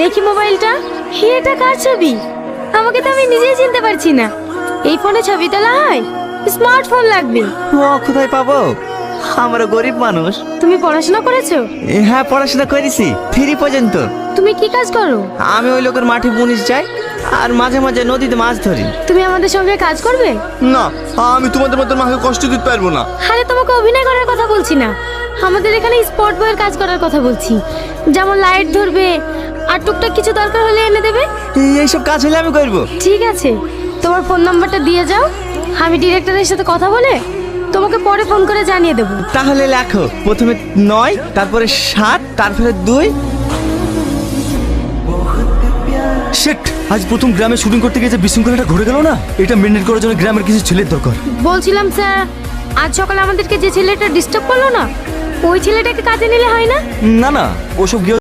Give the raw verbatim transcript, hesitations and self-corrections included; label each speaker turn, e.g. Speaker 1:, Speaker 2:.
Speaker 1: দেখি মোবাইলটা। এটা কার ছবি? আমাকে তো আমি নিজেই চিনতে পারছি না। এই ফোনে ছবি তোলা হয়? স্মার্টফোন লাগবে।
Speaker 2: ও কোথায় পাবো? আমরা গরিব মানুষ।
Speaker 1: তুমি পড়াশোনা করেছো?
Speaker 2: এ, হ্যাঁ পড়াশোনা করেছি, থ্রি পর্যন্ত।
Speaker 1: তুমি কি কাজ করো?
Speaker 2: আমি ওই লোকের মাঠে মুনিশ যাই আর মাঝে মাঝে নদীতে মাছ ধরি।
Speaker 1: তুমি আমাদের সঙ্গে কাজ করবে?
Speaker 3: না, আমি তোমাদের মতো মাকে কষ্ট দিতে পারবো না।
Speaker 1: আরে তোমাকে অভিনয় করার কথা বলছি না, আমাদের এখানে স্পট বয়ের কাজ করার কথা বলছি। যেমন লাইট ধরবে আর টুকটাক কিছু দরকার হলে এনে দেবে।
Speaker 2: এই- এইসব কাজ হলে আমি করবো।
Speaker 1: ঠিক আছে, তোমার ফোন নাম্বারটা দিয়ে যাও, আমি ডিরেক্টরের সাথে কথা বলে তোমাকে পরে ফোন করে জানিয়ে দেবো।
Speaker 2: তাহলে লেখো, প্রথমে নয়, তারপরে সাত, তারপরে দুই।
Speaker 4: শেট, আজ প্রথম গ্রামে শুটিং করতে গিয়ে যে বিশৃঙ্খলাটা ঘটে গেল না, এটা মেনটেন করার জন্য গ্রামের কিছু ছেলের দরকার।
Speaker 1: বলছিলাম স্যার, আজ সকালে আমাদেরকে যে ছেলেটা ডিস্টার্ব করলো না, ওই ছেলেটাকে কাজে নিলে হয় না?
Speaker 4: না না, ওসব গিয়ে